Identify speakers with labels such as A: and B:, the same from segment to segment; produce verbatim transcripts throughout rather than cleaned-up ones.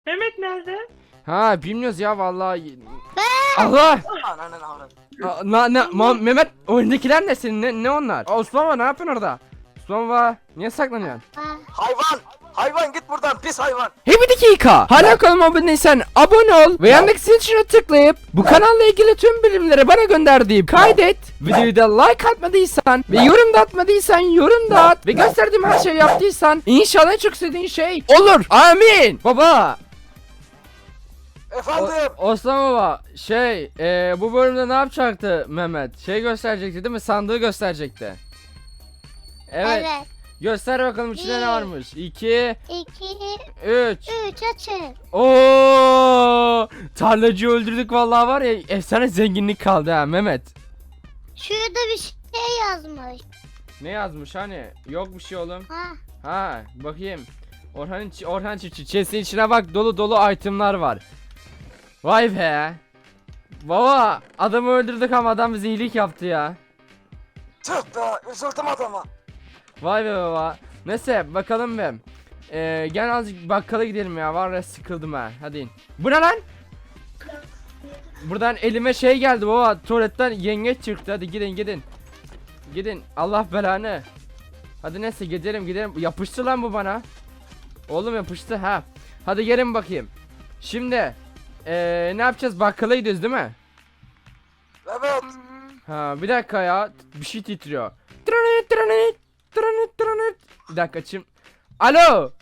A: Mehmet nerede?
B: Ha bilmiyoruz ya vallahi. Allah!
C: Ananın avradı.
B: Aa, Na, ne, Ma- Mehmet oyundakiler ne senin? Ne, ne onlar? Aa, Osman var, ne yapıyorsun orada? Osman var. Niye saklanıyorsun?
C: Hayvan! Hayvan git buradan pis hayvan!
B: Hey bir dakika. Hala kanalıma abone değilsen abone ol ve yandaki zil tuşuna tıklayıp bu kanalla ilgili tüm bilimleri bana gönder deyip kaydet. Videoyu da like atmadıysan ve yorum da atmadıysan yorum da at ve gösterdiğim her şeyi yaptıysan inşallah en çok istediğin şey olur. Amin. Baba.
C: Efendim!
B: O, Osman baba şey e, bu bölümde ne yapacaktı Mehmet? Şey gösterecekti değil mi? Sandığı gösterecekti. Evet.
D: Evet.
B: Göster bakalım içinde ne
D: Bir.
B: varmış. iki,
D: İki,
B: üç.
D: üç açın.
B: Oo! Tarlacıyı öldürdük vallahi var ya, efsane zenginlik kaldı ha Mehmet.
D: Şurada bir şey yazmış.
B: Ne yazmış hani? Yok bir şey oğlum.
D: Ha.
B: Ha bakayım. Orhan içi- Orhan çiftçi chest'in içine bak, dolu dolu itemlar var. Vay be. Baba adamı öldürdük ama adam bize iyilik yaptı ya.
C: Tüh be! Üzüldüm adama.
B: Vay be baba. Neyse bakalım be. Ee, gel azıcık bakkala gidelim ya. Var ya sıkıldım ha. Hadi in. Bu ne lan? Buradan elime şey geldi baba. Tuvaletten yengeç çıktı. Hadi gidin gidin. Gidin. Allah belanı. Hadi neyse gidelim gidelim. Yapıştı lan bu bana. Oğlum yapıştı ha. Hadi gelin bakayım. Şimdi ee, ne yapacağız? Bakkala gidiyoruz değil mi?
C: Evet.
B: Ha bir dakika ya. Bir şey titriyor. Tırınıt tırınıt. Tırınıt tırınıt. Bir dakika açayım. Alo.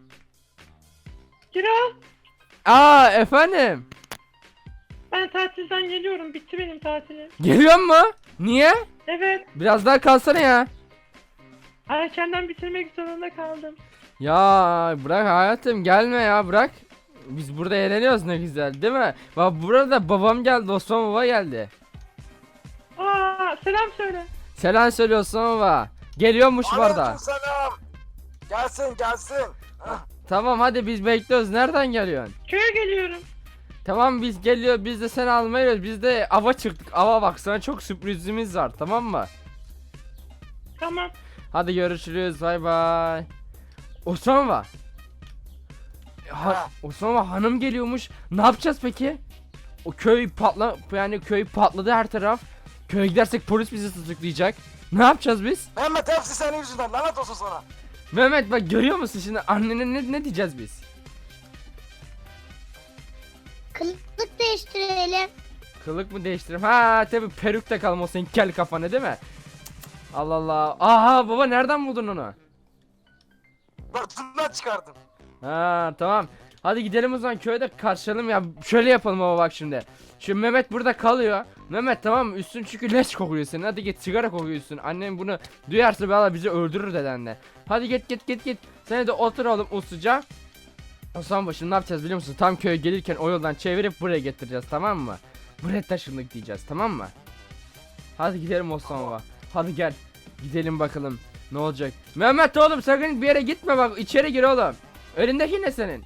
A: Kira,
B: Aa efendim.
A: ben tatilden geliyorum. Bitti benim tatilim.
B: Geliyor mu? Niye?
A: Evet,
B: Biraz daha kalsana ya.
A: erkenden bitirmek zorunda kaldım.
B: Ya bırak hayatım, gelme ya, bırak. Biz burada eğleniyoruz ne güzel değil mi? Bak burada babam geldi, Osman baba geldi.
A: Aa, selam söyle.
B: Selam söyle Osman baba. Geliyormuş bu arada.
C: Aleykümselam. Gelsin gelsin. Hah.
B: Tamam hadi biz bekliyoruz. Nereden geliyorsun?
A: Köye geliyorum.
B: Tamam biz geliyor, biz de seni almaya geliyoruz. Biz de ava çıktık. Ava bak, sana çok sürprizimiz var, tamam mı?
A: Tamam.
B: Hadi görüşürüz, bay bay. Osman baba. Ha,
C: Ha.
B: Osman baba hanım geliyormuş. Ne yapacağız peki? O köy patla yani köy patladı her taraf. Köye gidersek polis bizi tutuklayacak. Ne yapacağız biz?
C: Mehmet hepsi senin yüzünden lanet olsun sana.
B: Mehmet bak, görüyor musun şimdi annene ne, ne diyeceğiz biz?
D: Kılık değiştirelim.
B: Kılık mı değiştirelim? Ha tabi peruk takalım o senin kel kafana değil mi? Cık, Allah Allah. Aha baba, nereden buldun onu?
C: Bırtından çıkardım.
B: Ha tamam. Hadi gidelim o zaman, köyde karşılayalım ya. Şöyle yapalım baba bak şimdi. Şu Mehmet burada kalıyor. Mehmet tamam mı? Üstün çünkü leş kokuyor senin. Hadi git, sigara kokuyorsun. Annem bunu duyarsa valla bizi öldürür dedenle. Hadi git git git git. Sen de otur oğlum usluca. O zaman başım ne yapacağız biliyor musun? Tam köye gelirken o yoldan çevirip buraya getireceğiz, tamam mı? Buraya taşındık diyeceğiz, tamam mı? Hadi gidelim Osman baba. Hadi gel. Gidelim bakalım. Ne olacak? Mehmet oğlum sakın bir yere gitme bak. İçeri gir oğlum. Önündeki ne senin?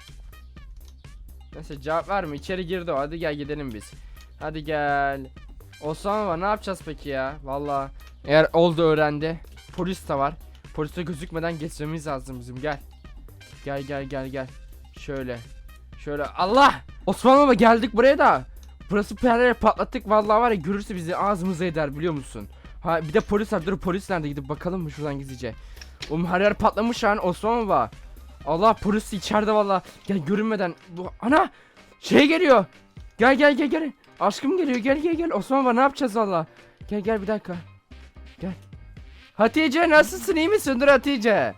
B: Neyse cevap verme, içeri girdi o. Hadi gel gidelim biz. Hadi gel. Osman baba ne yapacağız peki ya? Vallahi eğer oldu öğrendi. Polis de var. Polise gözükmeden geçmemiz lazım bizim, gel. Gel gel gel gel. Şöyle. Şöyle Allah. Osman baba geldik buraya da. Burası perleri patlattık vallahi, var ya, görürse bizi ağzımıza eder biliyor musun? Ha bir de polis var. Dur polis nerede, gidip bakalım mı şuradan gizlice. Oğlum her yer patlamış yani Osman baba. Allah, polis içeride valla. Gel görünmeden. Bu ana şey geliyor. Gel gel gel gel. Aşkım geliyor, gel gel gel. Osman baba ne yapacağız valla? Gel gel bir dakika. Gel. Hatice nasılsın, iyi misin? Dur Hatice.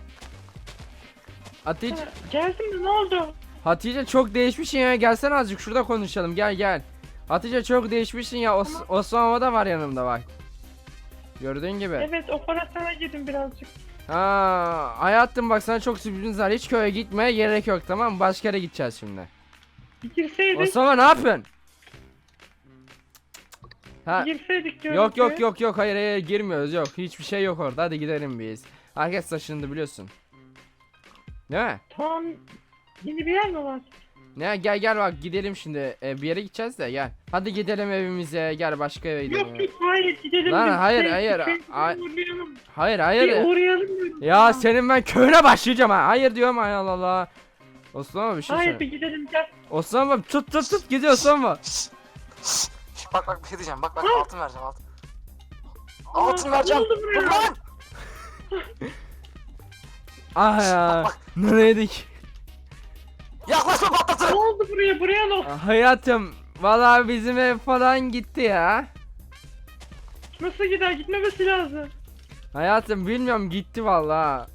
B: Hatice.
A: Ha, geldim de ne oldu?
B: Hatice çok değişmişsin ya. Gelsene azıcık şurada konuşalım. Gel gel. Hatice çok değişmişsin ya. Os
A: Tamam.
B: Osman baba da var yanımda bak. Gördüğün gibi.
A: Evet, operasyona girdim birazcık.
B: Ha, hayatım bak, sana çok sürprizimiz var. Hiç köye gitmeye gerek yok, tamam mı? Başka yere gideceğiz şimdi.
A: Bir girseydik.
B: Osman ne yapıyorsun? Ha,
A: Girseydik diyorum.
B: yok yok
A: köye.
B: yok yok, hayır hayır girmiyoruz, yok. Hiçbir şey yok orada. Hadi gidelim biz. Herkes taşındı biliyorsun. Değil mi?
A: Tamam. Yeni bir yer mi var?
B: Ne, gel gel bak gidelim şimdi. Ee, bir yere gideceğiz de gel. Hadi gidelim evimize. Gel başka eve gidelim.
A: Yok yok, hayır gidelim.
B: Lan,
A: biz.
B: hayır,
A: Şey,
B: hayır,
A: şey,
B: ay-
A: uğrayalım.
B: Hayır
A: Bir
B: hayır.
A: uğrayalım diyorum.
B: Ya senin ben köyüne başlayacağım ha. Hayır diyorum, ay Allah Allah. Osman baba bir şey
A: Hayır
B: söyle.
A: bir gidelim gel.
B: Osman baba tut tut tut gidiyor Osman baba.
C: Şşş, şşş, şşş, bak bak bir şey diyeceğim. Bak bak
A: Hı.
C: altın vereceğim altın.
A: Aa,
C: Altın vereceğim.
A: ne oldu buraya?
C: Dur lan.
B: Ah ya.
C: bak.
B: Nereydik?
C: Yaklaşma
A: Ne
C: patlatırım.
A: oldu buraya? Buraya ne oldu?
B: Ah, hayatım. Vallahi bizim ev falan gitti ya.
A: Nasıl gider? Gitmemesi lazım.
B: Hayatım bilmiyorum gitti vallahi.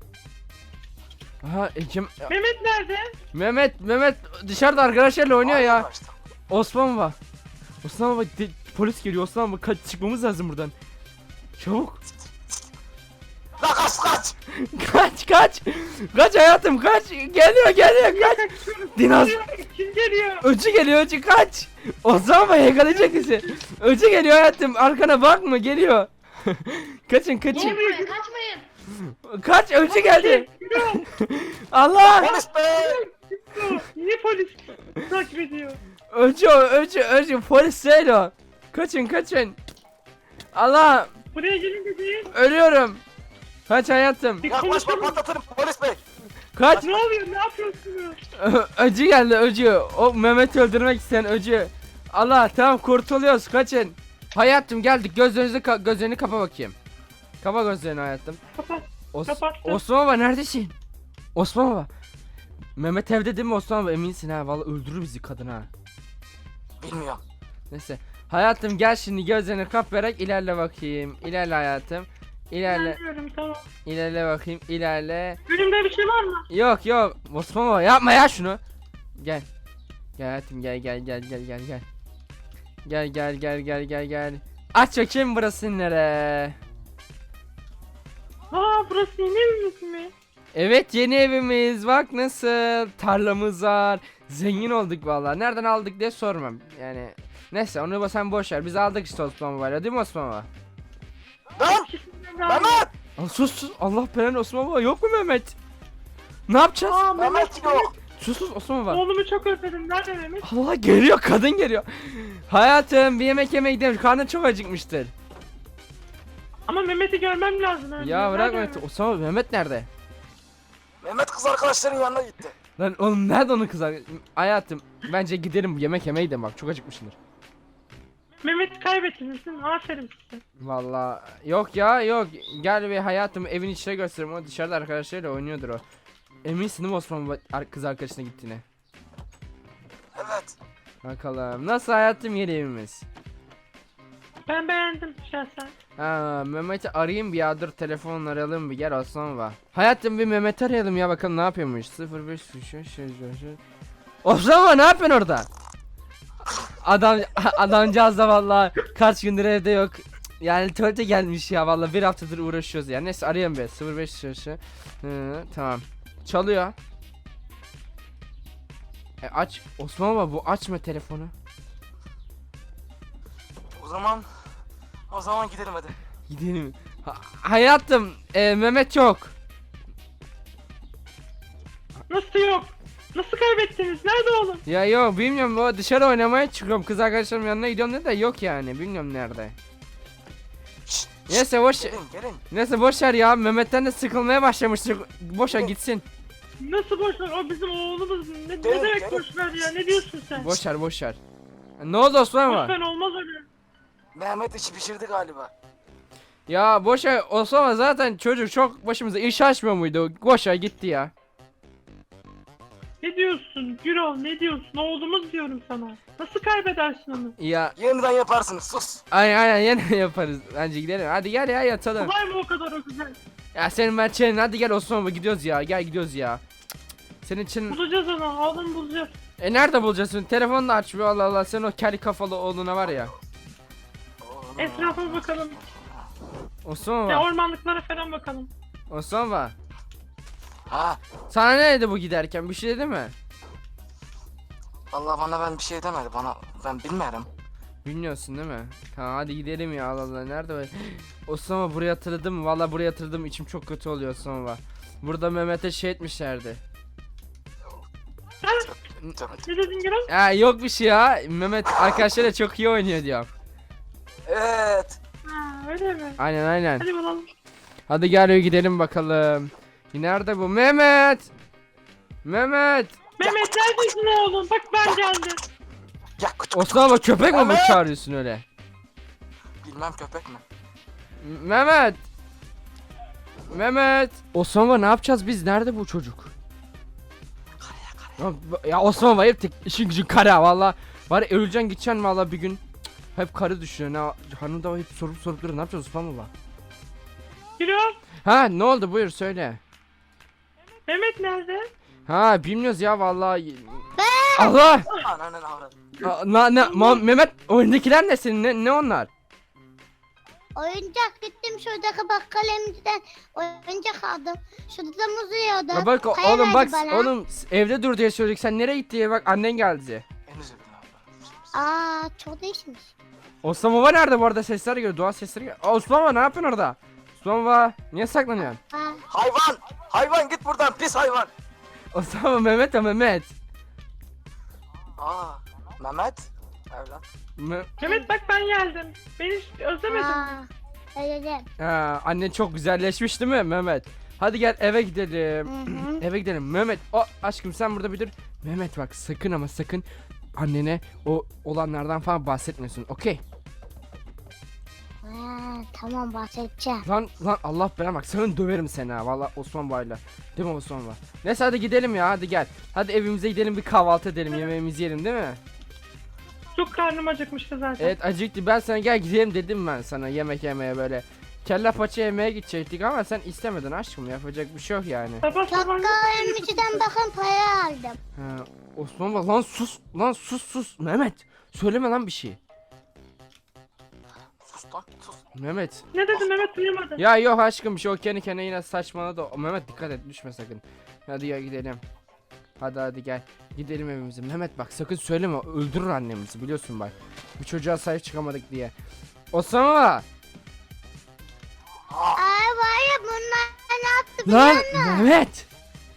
B: Aha Ekim
A: Mehmet nerede?
B: Mehmet Mehmet dışarıda arkadaşlarla oynuyor ya.
C: Arkadaşlar.
B: Osman baba. Osman baba de- polis geliyor Osman baba kaç çıkmamız lazım buradan. Çabuk.
C: La kaç kaç.
B: Kaç kaç. Kaç hayatım kaç. Geliyor geliyor kaç. Dinos.
A: Kim geliyor?
B: Öcü geliyor öcü kaç. Osman baba yakalayacak bizi. Öcü geliyor hayatım arkana bakma geliyor. Kaçın kaçın.
E: Kaçmayın, kaçmayın.
B: Kaç öcü geldi.
A: Yürü.
B: Allah.
C: Polis bey.
A: Yürü. Niye polis takip ediyor?
B: Öcü öcü öcü polis değil o. Kaçın kaçın. Allah
A: Buraya gelince değil.
B: ölüyorum. Kaç hayatım.
A: Bir
C: Yaklaşma
A: konuşalım.
C: patlatırım polis bey.
B: Kaç.
A: Ne oluyor? Ne yapıyorsunuz?
B: Ö- Öcü geldi öcü. O Mehmet'i öldürmek isteyen öcü. Allah tamam kurtuluyoruz kaçın. Hayatım geldik gözlerinizi ka- gözlerini kapa bakayım. Kapa gözlerini hayatım.
A: Kapat.
B: Os
A: Kapattım.
B: Osman baba neredesin? Osman baba. Mehmet evde değil mi Osman baba eminsin ha vallahi öldürür bizi kadın ha.
C: Bilmiyorum.
B: Neyse. Hayatım gel şimdi gözlerini kapayarak ilerle bakayım. İlerle hayatım. İlerle
A: Bilmiyorum tamam.
B: ilerle bakayım ilerle.
A: Önümde bir şey var mı?
B: Yok yok Osman baba yapma ya şunu. Gel. Gel hayatım gel gel gel gel gel gel. Gel gel gel gel gel gel. Aç bakayım burası nere?
A: Aa burası yeni evimiz mi?
B: Evet yeni evimiz bak nasıl tarlamız var. Zengin olduk vallahi. Nereden aldık diye sormam. Yani neyse onu sen boş ver. Biz aldık işte Osman Baba'yla değil mi Osman Baba?
C: Lan
A: İkisinden daha iyi.
C: Mehmet.
B: Aa, sus sus Allah belanı Osman Baba yok mu Mehmet? Ne yapacağız?
A: Aa
C: Mehmet
A: Mehmet
C: yok.
B: Sus sus Osman Baba.
A: Oğlumu çok özledim. Nerede Mehmet?
B: Allah geliyor kadın geliyor. Hayatım bir yemek yemeye gidelim. Karnın çok acıkmıştır.
A: Ama Mehmet'i görmem lazım önce.
B: Ya bırak
A: Nerede
B: Mehmet. Osman Baba Mehmet nerede?
C: Mehmet kız arkadaşların yanına gitti.
B: Lan oğlum nerede onun kızı? Hayatım bence gidelim yemek yemeye gidelim bak çok acıkmışsındır.
A: Mehmet'i kaybettiniz değil mi? Aferin size.
B: Vallahi yok ya yok. Gel bir hayatım evin içine göstereyim. O dışarıda arkadaşlarıyla oynuyordur o. Eminsin değil mi Osman Baba ar- kız arkadaşına gittiğine?
C: Evet.
B: Bakalım. Nasıl hayatım yeni evimiz?
A: Ben beğendim şahsen.
B: Ha Mehmet'i arayayım bir ya dur telefonla arayalım bir gel Osman Baba. Hayatım bir Mehmet'i arayalım ya bakalım ne yapıyormuş. sıfır beş şu şu şu şu. Osman Baba ne yapıyorsun orada? Adam adamcağız da vallahi kaç gündür evde yok. Yani tuvalete gelmiş ya vallahi bir haftadır uğraşıyoruz yani. Neyse arayayım be sıfır beş şu şu. Hı, tamam. Çalıyor. E aç Osman Baba bu açma telefonu.
C: O zaman o zaman gidelim hadi.
B: Gidelim. Ha- hayatım e, Mehmet yok.
A: Nasıl yok? Nasıl kaybettiniz? Nerede oğlum?
B: Ya yok bilmiyorum o dışarı oynamaya çıkıyorum kız arkadaşlarım yanına gidiyorum dedi de yok yani bilmiyorum nerede.
C: Şşt,
B: Neyse boş
C: gelin gelin.
B: neyse boş ver ya Mehmet'ten de sıkılmaya başlamıştık. Boşa gitsin.
A: Nasıl boş ver? O bizim oğlumuz. Ne, ne
C: Gelin,
A: demek
C: gelin.
A: boş ver ya? Ne diyorsun sen?
B: Boş ver boş ver. Ne oldu Osman
A: Boş
B: var?
A: ver olmaz öyle.
C: Mehmet işi pişirdi galiba.
B: Ya boş ver Osman var zaten çocuk çok başımıza iş açmıyor muydu? Boş ver gitti ya.
A: Ne diyorsun? Gürol ne diyorsun? Oğlumuz diyorum sana. Nasıl kaybedersin onu?
B: Ya
C: Yeniden yaparsınız sus.
B: aynen aynen yine yaparız. Bence gidelim. Hadi gel ya yatalım.
A: Kolay mı o kadar o güzel?
B: Ya senin ben çenin hadi gel Osman baba gidiyoruz ya. Gel gidiyoruz ya. Cık, cık. Senin için
A: Bulacağız onu. Oğlum bulacağız.
B: e nerede bulacaksın? Telefonu da açmıyor Allah Allah. Senin o kel kafalı oğluna var ya.
A: Etrafa bakalım.
B: Osman
A: Ya
B: baba.
A: ormanlıklara falan bakalım.
B: Osman baba.
C: Ha.
B: Sana ne dedi bu giderken? Bir şey dedi mi?
C: Vallahi bana ben bir şey demedi bana. Ben bilmiyorum.
B: Bilmiyorsun değil mi? Tamam hadi gidelim ya Allah Allah. Nerede böyle? Osman baba buraya hatırladım. Valla buraya hatırladım. İçim çok kötü oluyor Osman baba. Burada Mehmet'e şey etmişlerdi.
C: Tabii.
A: Ne dedin Gürol?
B: Ya yok bir şey ya. Mehmet arkadaşlarıyla çok iyi oynuyor diyor.
C: Evet.
A: Ha öyle mi?
B: Aynen aynen.
A: Hadi bulalım.
B: Hadi gel gidelim bakalım. Nerede bu? Mehmet! Mehmet.
A: Mehmet neredesin oğlum? Bak ben geldim.
C: Ya küçük.
B: Osman baba köpek mi bu
C: Mehmet!
B: çağırıyorsun öyle?
C: Bilmem köpek mi?
B: M- Mehmet. Mehmet. Osman baba ne yapacağız biz? Nerede bu çocuk? Ya, ya Osman baba hep tek işin gücün kara valla. Var ya öleceksin gideceksin valla bir gün. Cık, hep karı düşünüyor. Ne hanım da hep sorup sorup duruyor. Ne yapacağız Osman baba?
A: Gürol.
B: Ha ne oldu buyur söyle.
A: Mehmet nerede?
B: Ha bilmiyoruz ya vallahi. Allah!
C: Ananın avradı.
B: Aa, Na, ne, Ma- Mehmet oyundakiler ne senin? Ne, ne onlar?
D: Oyuncak gittim şuradaki bakkal emciden oyuncak aldım. Şurada da muz yiyordu.
B: Ya bak
D: Kaya
B: oğlum
D: verdi
B: bak
D: bana.
B: oğlum evde dur diye söyledik. Sen nereye gitti ya? Bak annen geldi.
C: En üzüldüm abi.
D: Aa çok değişmiş.
B: Osman baba nerede bu arada? Sesler geliyor. Dua sesleri geliyor. Aa, Osman baba ne yapıyorsun orada? Osman baba niye saklanıyorsun?
D: Aa,
C: Hayvan! Hayvan git buradan pis hayvan!
B: Osman baba Mehmet ya Mehmet.
C: Aa, Mehmet. Evlat.
B: Me-
A: Mehmet bak ben geldim. Beni hiç özlemedin mi?
D: aa, öyle.
B: Ha, annen çok güzelleşmiş değil mi Mehmet? Hadi gel eve gidelim.
D: Hı hı.
B: Eve gidelim. Mehmet. O aşkım sen burada bir dur. Mehmet bak sakın ama sakın annene o olanlardan falan bahsetmiyorsun. Okey.
D: Aa, tamam bahsedeceğim.
B: Lan lan Allah belanı bak sakın döverim seni ha. Vallahi Osman Bay'la. Değil mi Osman Bay? Neyse hadi gidelim ya hadi gel. Hadi evimize gidelim bir kahvaltı edelim yemeğimizi yiyelim değil mi?
A: Çok karnım acıkmıştı zaten.
B: Evet acıktı ben sana gel gidelim dedim ben sana yemek yemeye böyle. Kelle paça yemeye gidecektik ama sen istemedin aşkım yapacak bir şey yok yani.
A: Sabah sabah
D: Bakkal emciden bakın para aldım.
B: Ha, Osman Bay lan sus lan sus sus Mehmet. Söyleme lan bir şey.
C: Sus lan sus.
B: Mehmet.
A: ne dedi Mehmet duyamadı.
B: Ya yok aşkım bir şey o kendi kendine yine saçmaladı. O, Mehmet dikkat et düşme sakın. Hadi ya gidelim. Hadi hadi gel. Gidelim evimize. Mehmet bak sakın söyleme öldürür annemizi biliyorsun bak. Bir çocuğa sahip çıkamadık diye. Osama.
D: Ay var ya bunlar ne yaptı
B: Lan
D: biliyor musun?
B: Mehmet.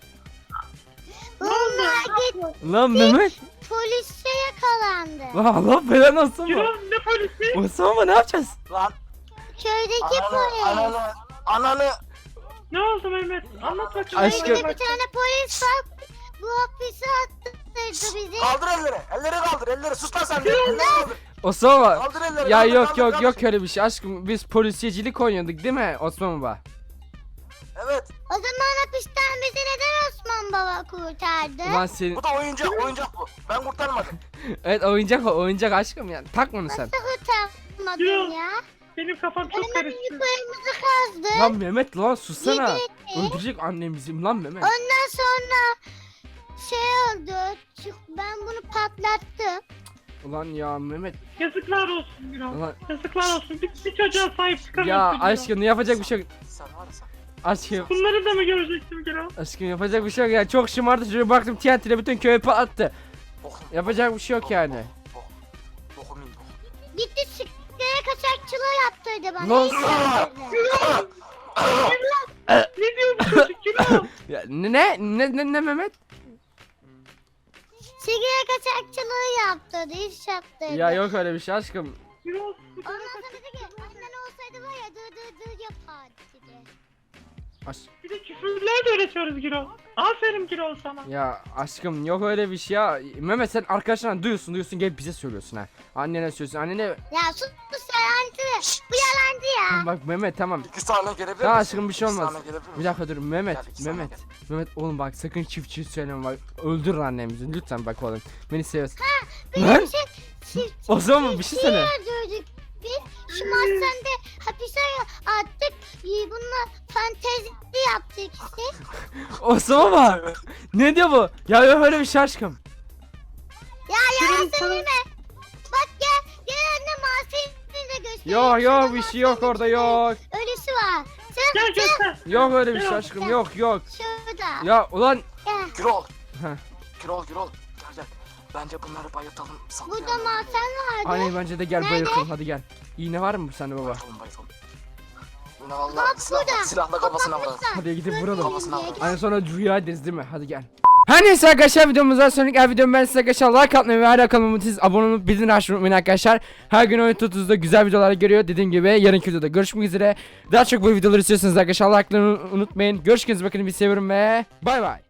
D: Bunlar git
B: Lan Mehmet.
D: polise yakalandı.
B: Lan Allah belanı Osama.
A: Gürol ne polisi?
B: Osama ne yapacağız?
C: Lan
D: Köydeki
C: ananı,
D: polis.
C: ananı, ananı.
A: Ne oldu Mehmet? Anlat bakayım.
B: Aşkım.
D: Köyde bir tane polis var. Bu hapise attırdı bizi.
C: Kaldır elleri. Elleri kaldır. Elleri sus lan sen de. Elleri kaldır.
B: Osama.
C: Kaldır elleri.
B: Ya
C: kaldır,
B: yok
C: kaldır,
B: yok
C: kaldır.
B: yok öyle bir şey aşkım. Biz polisiyecilik oynuyorduk değil mi Osman baba?
C: Evet.
D: O zaman hapisten bizi neden Osman Baba kurtardı?
B: Ulan senin...
C: Bu da oyuncak. Oyuncak bu. Ben kurtarmadım.
B: Evet oyuncak o oyuncak aşkım yani. Takma onu sen.
D: Nasıl kurtarmadın
A: Yok.
D: ya?
A: Benim kafam çok
D: Benim
A: karıştı.
D: yukarımızı kazdı.
B: Lan Mehmet lan sussana.
D: Yedi.
B: Öldürecek annemizi lan Mehmet.
D: Ondan sonra şey oldu. çık- Ben bunu patlattım.
B: Ulan ya Mehmet.
A: Yazıklar olsun Gürol.
B: Ulan
A: Yazıklar olsun. Bir, bir çocuğa sahip çıkamıyorsun.
B: ya
A: Gürol.
B: aşkım yapacak bir şey yok.
C: Sen var ya sen.
B: Aşkım.
A: Bunları da mı görecektim Gürol?
B: Aşkım yapacak bir şey yok ya. Çok şımardı çocuğu baktım T N T'yle bütün köyü patlattı.
C: Bokun.
B: Yapacak bir şey yok yani.
C: Bok. Bokum iyi bok.
D: Gitti sigara kaçakçılığı yaptırdı bana.
B: Lan-
D: İyi yaptırdı.
A: Ne diyor bu çocuk Gürol?
B: Ya ne ne ne ne Mehmet?
D: Sigara kaçakçılığı yaptırdı. İş yaptırdı.
B: Ya yok öyle bir şey aşkım.
A: Gürol.
D: Ondan sonra dedi ki annen olsaydı var ya dır dır dır yapardı dedi.
B: Aş
A: Bir de küfürler de öğretiyoruz Gürol. Aferin Gürol sana.
B: ya aşkım yok öyle bir şey ya. Mehmet sen arkadaşlarına duyuyorsun duyuyorsun gelip bize söylüyorsun ha. Annene söylüyorsun annene.
D: Ya sus sus yalancı. Bu yalancı ya.
B: Bak Mehmet tamam.
C: İki saniye gelebilir
B: Ya
C: misin?
B: aşkım bir şey
C: İki
B: olmaz.
C: saniye gelebilir
B: Bir
C: misin?
B: dakika dur Mehmet
C: Gel, iki saniye
B: Mehmet Mehmet oğlum bak sakın çift çift söyleme bak öldürür annemizi lütfen bak oğlum beni seviyorsun.
D: Benim
B: Lan
D: şey çift
B: o zaman bir şey söyle.
D: öldürdük. Biz şu mahzende hapise attık. Ee, Bununla fantezi yaptık işte.
B: Osman baba ne diyor bu? Ya yok öyle bir şey aşkım.
D: Ya yalan söyleme. Bak gel gel anne mahzeni de göstereyim.
B: Yok yok
D: Şurada
B: bir şey yok
D: mahzenin
B: orada
D: içinde
B: yok.
D: Ölüsü var. Sen
A: Gel göster.
B: Yok öyle bir şey
A: Yok.
B: aşkım yok yok.
D: şurada.
B: Ya ulan
D: Gel.
C: Gürol.
B: Heh.
C: Gürol Gürol. Gel gel. Bence bunları bayıltalım. saklayalım.
D: Burada mahzen vardı.
B: anne bence de gel
D: Nerede?
B: bayıltalım hadi gel. İğne var mı sende baba?
C: Bayıltalım bayıltalım. Yine valla
D: Bak
C: silahla,
D: burada.
C: silahla kafasına vurarız.
D: Kapatmışlar.
B: Hadi gidip
D: Dur,
B: vuralım.
D: dur,
C: Kafasına
D: dur,
C: vuralım.
B: Hani sonra rüya ederiz değil mi? Hadi gel. Her neyse arkadaşlar videomuzdan sonraki her videomu ben size arkadaşlar like atmayı ve hala kanalıma siz abone olup bildirim açmayı unutmayın arkadaşlar. Her gün oyun tutuzda güzel videolar görüyor. Dediğim gibi yarınki videoda görüşmek üzere. Daha çok bu videoları istiyorsanız arkadaşlar like'ları unutmayın. Görüşürüz bakın bir seviyorum ve bay bay.